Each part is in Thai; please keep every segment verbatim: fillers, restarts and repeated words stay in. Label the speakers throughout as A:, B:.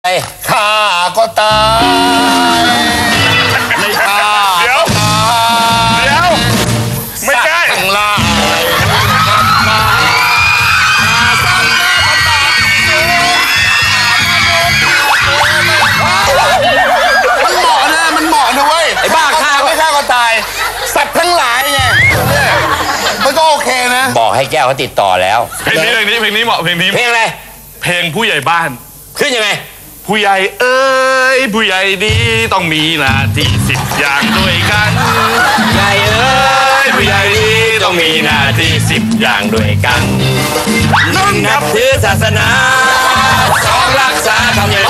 A: ข้าก็ตายไม่ข้าเดี๋ยวเดี๋ยวไม่ใช่ทั้งลายมันเหมาะนะมันเหมาะนะเว้ยไอ้บ้าข้าไม่ข้าก็ตายสัตว์ทั้งหลายไงมันก็โอเคนะบอกให้แก้วเขาติดต่อแล้ว
B: เพลงนี้เพลงนี้เพลงนี้เหมาะเพลงนี้
A: เพลงอะไร
B: เพลงผู้ใหญ่บ้าน
A: ขึ้นยังไง
B: ผู้ใหญ่เอ้ยผู้ใหญ่ดีต้องมีหน้าที่สิบอย่างด้วยกัน
A: ใหญ่เอ้ย
B: ผู้ใหญ่ดีต้องมีหน้าที่สิบอย่างด้วยกัน
A: หนึ่งนับถือศาสนาสองรักษาธรรมเนียม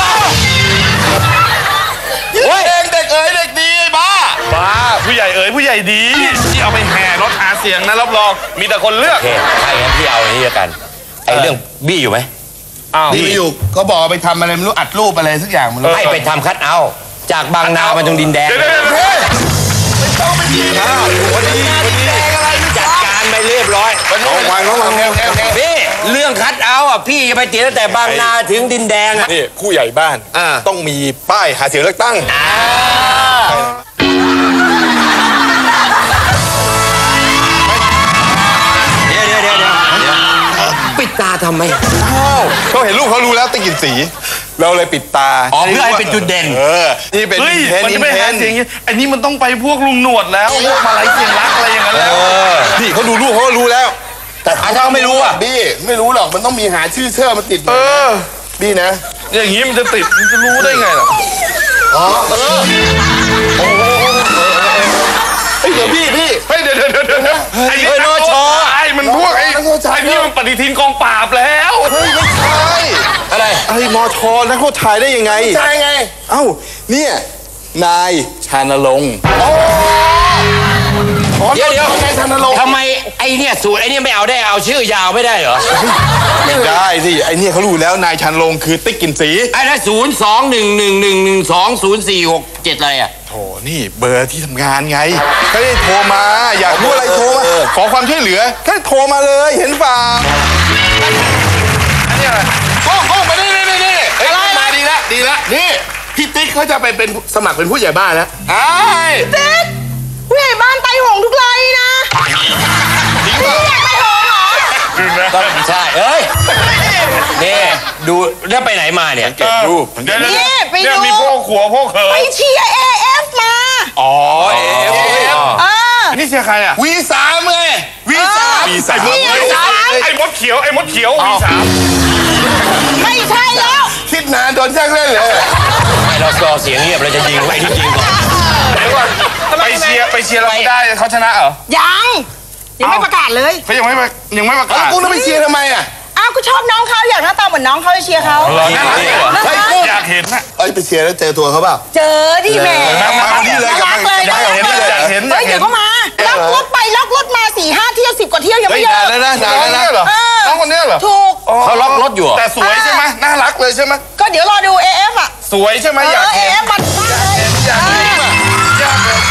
A: เฮ้ยเด็กเอ๋ยเด็กดีบ้า
B: บ้าผู้ใหญ่เอ๋ยผู้ใหญ่ดีที่เอาไปแห่รถหาเสียงนะรับรองมีแต่คนเลือก
A: โอเคใช่งั้นพี่เอาอันนี้กันไอ้เรื่องบี้อยู่ไหม
C: บี้อยู่ก็บอกไปทำอะไรไม่รู้อัดรูปอะไรสักอย่างมัน
A: ให้ไปทำคัทเอาจากบางนาไปตรงดินแดงไม่ต้องไปดีนะวันนี้จัดการไปเรียบร้อย
C: ระวังระวัง
A: พี่เรื่องคัทเอาอ่ะพี่จะไปติดตั้งแต่บางนาถึงดินแดงอ่ะ
C: นี่ผู้ใหญ่บ้านต้องมีป้ายหาเสียงเลือกตั้ง
A: เดี๋ยวเดี๋ยวเดี๋ยวปิดตาทำไม
C: เขาเห็นรูปเขารู้แล้วติกินสีเราเลยปิดตา
A: อ๋อเพื่อให้เป็นจุดเด่น
C: เออนี่เป็น
B: เฮ้ยมันจะไม่หาเสียงอย่างนี้อันนี้มันต้องไปพวกลุงหนวดแล้วพวกมาลัยเสียงรักอะไรอย่างนั้นแล้ว
C: นี่เขาดูรูปเขารู้แล้ว
A: แต่ถ้าเขาไม่รู้อ่ะ
C: บี้ไม่รู้หรอกมันต้องมีหาชื่อเชื่อมาติด
B: เออ
C: บี้นะ
B: อย่างนี้มันจะติดมันจะรู้ได้ไงล่ะ
C: อ๋อเออโอ้เดี๋ยวพี่พี่
B: เฮ้ยเดี๋ยวเดี๋ยวเดี๋ยวไอ้
A: โนชอ
B: ไอ้มันพวกไอ้ไอ้นี่มันปฏิทินกองปราบแล้ว
C: เฮ้ยไม่ใช่
A: อะไร
C: ไอ้มอชอนักโทษชายได้ยังไง
A: ใช่ไง
C: เอ้าเนี่ยนายชานรงค์
A: เดี๋ยวเดี๋ยวทำไมไอ้เนี่ยสูตรไอ้เนี่ยไม่เอาได้เอาชื่อยาวไม่ได้เหรอ
C: ไม่ได้สิไอ้เนี่ยเขารู้แล้วนายชานรงค์คือติ๊กกินสี
A: ไอ้นั่นศูนย์สองหนึ่งหนึ่งหนึ่งหนึ่งสองศูนย์สี่หกเจ็ดอะไรอ่ะ
C: โถนี่เบอร์ที่ทำงานไงแค่โทรมาอยากรู้อะไรโทรมาขอความช่วยเหลือแค่โทรมาเลยเห็นป่าอันนี้อะไรโอ้โหมานี่นี่นี่อะไรมาดีละดีละนี่พี่ติ๊กเขาจะไปเป็นสมัครเป็นผู้ใหญ่บ้านแล้วไอ้
D: ติ๊กผู้ใหญ่บ้านไตหงทุกไรนะพี่อยากไตหงเหรอ
A: ใช่เอ้ยนี่ดูแล้วไปไหนมาเนี่ย
C: เก็บรูป
D: นี่ไปดู
B: มีพวกขัวพวกเขย
D: ไปเชียร์ เอ เอฟ มา
A: อ๋อ เอ เอฟ
D: เออ
B: นี่เชียร์ใครอ่ะ
C: วีสามไงวีสาม
B: วีสามไอ้มดเขียวไอ้มดเขียววีสาม
D: ไม่ใช่แล้ว
C: คิดนานโดนแจ้งเล่นเลย
A: ไม่เรารอเสียงเงียบเราจะยิงไปที่ยิงก่อน
B: เดี๋ยวก่อนไปเชียร์ไปเชียร์เราได้เขาชนะเหรอ
D: ยังยังไม่ประกาศเลย
B: เขายังไม่ยังไม่ประกาศ
C: กูต้องไปเชียร์ทำไมอ่ะ
D: อ้าวกูชอบน้องเขาอยากหน้าตาเหมือนน้องเขาเชียร์เขา
B: อยากเห็นนะ
C: เอ้ยไปเชียร์แล้วเจอตัวเขาเปล่า
D: เจอดิแม่
C: มาวันนี้เลยกับมัน
D: อยากเห็นอยากเห็นเฮ้ยเดี๋ยวเขามาล็อกรถไปล็อกรถมาสี่ห้าเที่ยวสิบกว่าเที่ยวยังไม่เยอะ
C: แล้วนะนานแล้วเหรอ
B: น้องคนนี้เหรอ
D: ถูก
A: เขาล็อกรถอยู่
B: แต่สวยใช่ไหมน่ารักเลยใช่ไหม
D: ก็เดี๋ยวรอดู เอ เอฟ อ่ะ
B: สวยใช่ไหมอยากเห็น
D: เอ เอฟ มันมากเลย
B: อยากเห็นอยากเห็น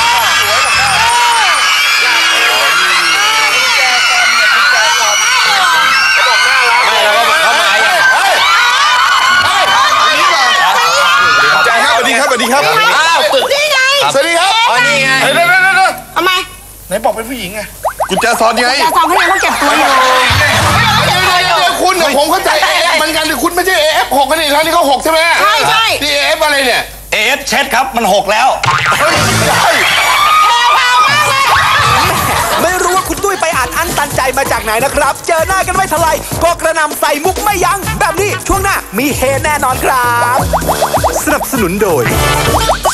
C: สวัสดีครับ
D: อ้าวนี่ไง
C: สวัสดีครับ
A: อ๋อนี่ไง
B: เดี๋ยวเดี๋ยวเดี๋ยว
D: ทำไม
B: ไหนบอกเป็นผู้หญิงไง
C: กุญแจซอนไง
D: กุญแจซอนเขายังต้องเก็บตัวอยู่
C: คุณกับผมเข้าใจเอเอฟเหมือนกันแต่คุณไม่ใช่เอเอฟหกกันอีกแล้วนี่เขาหกใช่ไหม
D: ใช่ใช่
C: นี่เอเอฟอะไรเนี่ย
A: เอฟเช็ดครับมันหกแล้ว
E: ไม่รู้ว่าคุณตุ้ยไปอ่านอั้นตันใจมาจากไหนนะครับเจอหน้ากันไม่เท่าไรก็กระนำใส่มุกไม่ยั้งแบบนี้ช่วงหน้ามีเฮแน่นอนครับสนับสนุนโดย